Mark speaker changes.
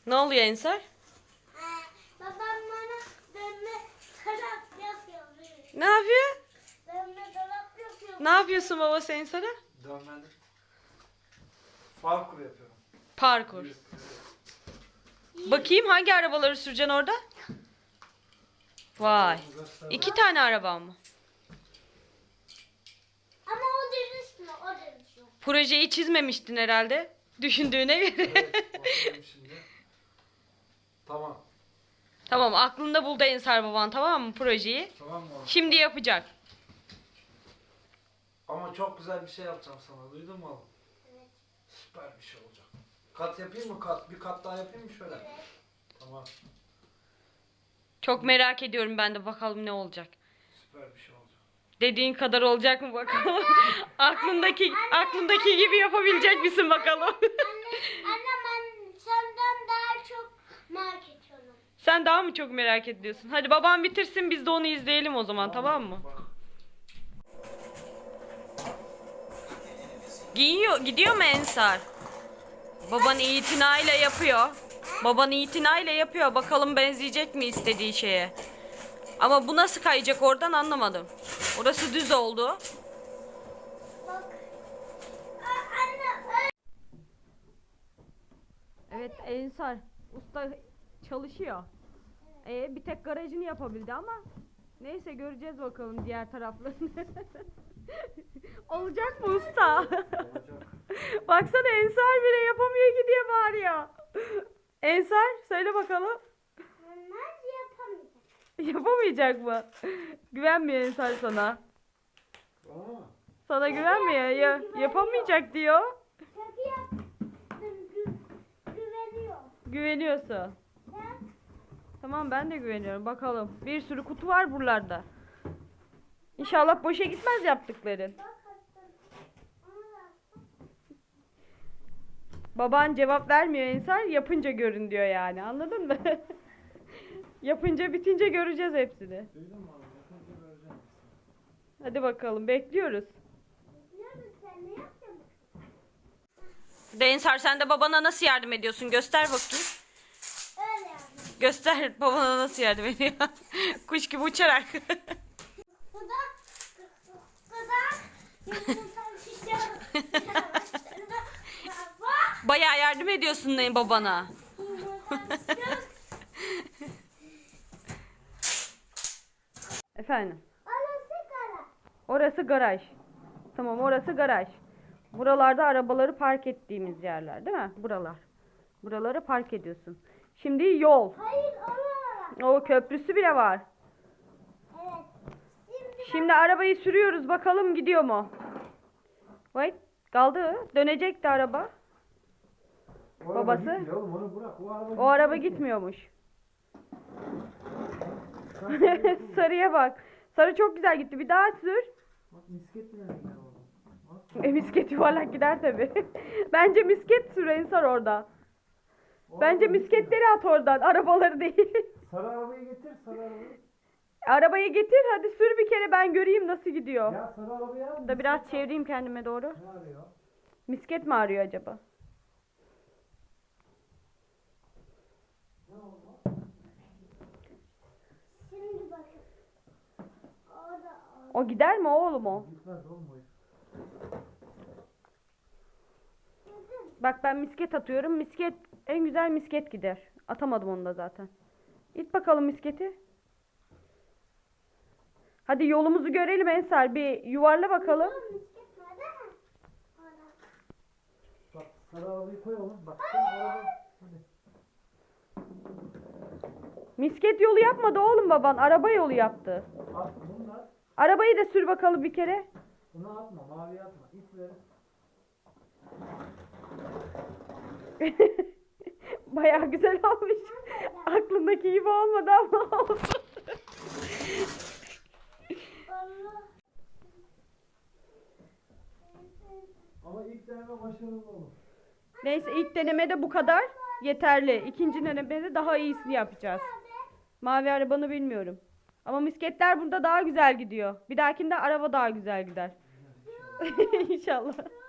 Speaker 1: Ne oluyor Ensar?
Speaker 2: Babam bana dönme dolap yapıyor.
Speaker 1: Ne yapıyor?
Speaker 2: Dönme dolap yapıyor.
Speaker 1: Ne yapıyorsun babası Ensar'a?
Speaker 3: Dönmeli. Parkur yapıyorum.
Speaker 1: Parkur. Bakayım hangi arabaları süreceksin orada? Vay. 2 tane araba mı?
Speaker 2: Ama o dönüşmüyor, o dönüşüyor.
Speaker 1: Projeyi çizmemiştin herhalde. Düşündüğüne göre.
Speaker 3: Evet, bakıyorum şimdi. Tamam.
Speaker 1: Tamam, aklında buldu Ensar baban, tamam mı projeyi?
Speaker 3: Tamam mı oğlum?
Speaker 1: Şimdi yapacak.
Speaker 3: Ama çok güzel bir şey yapacağım sana. Duydun mu oğlum?
Speaker 2: Evet.
Speaker 3: Süper bir şey olacak. Kat yapayım mı kat? Bir kat daha yapayım mı şöyle?
Speaker 2: Evet.
Speaker 3: Tamam.
Speaker 1: Çok merak ediyorum ben de, bakalım ne olacak.
Speaker 3: Süper bir şey olacak.
Speaker 1: Dediğin kadar olacak mı bakalım. aklındaki gibi yapabilecek misin bakalım.
Speaker 2: Anne ben senden daha çok merak ediyorum.
Speaker 1: Sen daha mı çok merak ediyorsun? Hadi babam bitirsin, biz de onu izleyelim o zaman, tamam mı?
Speaker 3: Bak.
Speaker 1: Gidiyor mu Ensar? Baban itinayla yapıyor. Baban itinayla yapıyor. Bakalım benzeyecek mi istediği şeye. Ama bu nasıl kayacak oradan, anlamadım. Orası düz oldu.
Speaker 2: Bak. Anne
Speaker 1: Evet, Ensar usta çalışıyor. Bir tek garajını yapabildi ama neyse, göreceğiz bakalım diğer taraflarını. Olacak mı usta?
Speaker 3: Olacak.
Speaker 1: Baksana, Ensar bile yapamıyor ki diye bağırıyor. Ensar söyle bakalım.
Speaker 2: onlar yapamayacak.
Speaker 1: Yapamayacak mı? Güvenmiyor Ensar sana.
Speaker 3: Tamam mı?
Speaker 1: Sana güvenmiyor. Yapamayacak diyor.
Speaker 2: Şaka yaptım. Güveniyor.
Speaker 1: Güveniyorsun.
Speaker 2: Sen
Speaker 1: Tamam, ben de güveniyorum. Bakalım. Bir sürü kutu var buralarda. İnşallah boşa gitmez yaptıkların.
Speaker 2: bak attın. Onu da attım.
Speaker 1: Baban cevap vermiyor Ensar. Yapınca görün diyor yani. Anladın mı? Yapınca bitince göreceğiz hepsini.
Speaker 3: Duydun mu oğlum? Yapınca vereceğim.
Speaker 1: Hadi bakalım, bekliyoruz.
Speaker 2: Biliyor musun sen ne yaptın?
Speaker 1: Ensar, sen de babana nasıl yardım ediyorsun? Göster bakayım.
Speaker 2: Öyle yaptım.
Speaker 1: Göster babana nasıl yardım ediyor. Kuş gibi uçarak.
Speaker 2: Bu da yumurta şişiyor. Bak.
Speaker 1: Bayağı yardım ediyorsun babana.
Speaker 2: Yumurta şişiyor.
Speaker 1: Efendim.
Speaker 2: Orası kara.
Speaker 1: Orası garaj. Tamam, orası garaj. Buralarda arabaları park ettiğimiz yerler, değil mi? Buralar. Buraları park ediyorsun. Şimdi yol.
Speaker 2: Hayır oralara.
Speaker 1: O köprüsü bile var.
Speaker 2: Evet.
Speaker 1: Şimdi arabayı sürüyoruz, bakalım gidiyor mu? Vay, kaldı. Dönecekti araba.
Speaker 3: O
Speaker 1: Babası?
Speaker 3: araba gitmiyor oğlum, onu bırak.
Speaker 1: O araba gitmiyormuş. Sarıya bak. Sarı çok güzel gitti. Bir daha sür.
Speaker 3: Bak misket bile gider oğlum. Bak.
Speaker 1: Misket yuvarlak gider tabi. Bence misket sür Ensar orada.
Speaker 3: O
Speaker 1: Bence
Speaker 3: araba
Speaker 1: misketleri at oradan. Arabaları değil.
Speaker 3: gitmiyor. Sarı arabayı getir, sarı arabayı.
Speaker 1: Arabayı getir, hadi sür bir kere, ben göreyim nasıl gidiyor.
Speaker 3: Ya sarı arabayı al.
Speaker 1: Da biraz çevireyim kendime doğru.
Speaker 3: Ne arıyor?
Speaker 1: Misket mi arıyor acaba?
Speaker 3: Ne oldu?
Speaker 2: Şimdi bakın. Orada.
Speaker 1: O gider mi oğlum o?
Speaker 3: Gitmez oğlum o iş.
Speaker 1: Bak, ben misket atıyorum. Misket, en güzel misket gider. Atamadım onu da zaten. İt bakalım misketi. Hadi yolumuzu görelim Ensar. Bir yuvarla bakalım.
Speaker 2: Misket nerede? Orada.
Speaker 3: Bak sarı arabayı koy oğlum. Bak sen araba. Hadi.
Speaker 1: Misket yolu yapmadı oğlum baban. Araba yolu yaptı.
Speaker 3: At bunu da.
Speaker 1: Arabayı da sür bakalım bir kere.
Speaker 3: Bunu atma, mavi atma. İp ver.
Speaker 1: Bayağı güzel olmuş. Aklındaki gibi olmadı ama oldu.
Speaker 2: Allah.
Speaker 3: Ama ilk deneme başarılı olur.
Speaker 1: Neyse, ilk denemede bu kadar yeterli. İkinci denemede daha iyisini yapacağız. Mavi arabanı bilmiyorum. Ama misketler burada daha güzel gidiyor. Bir dahakinde araba daha güzel gider. İnşallah.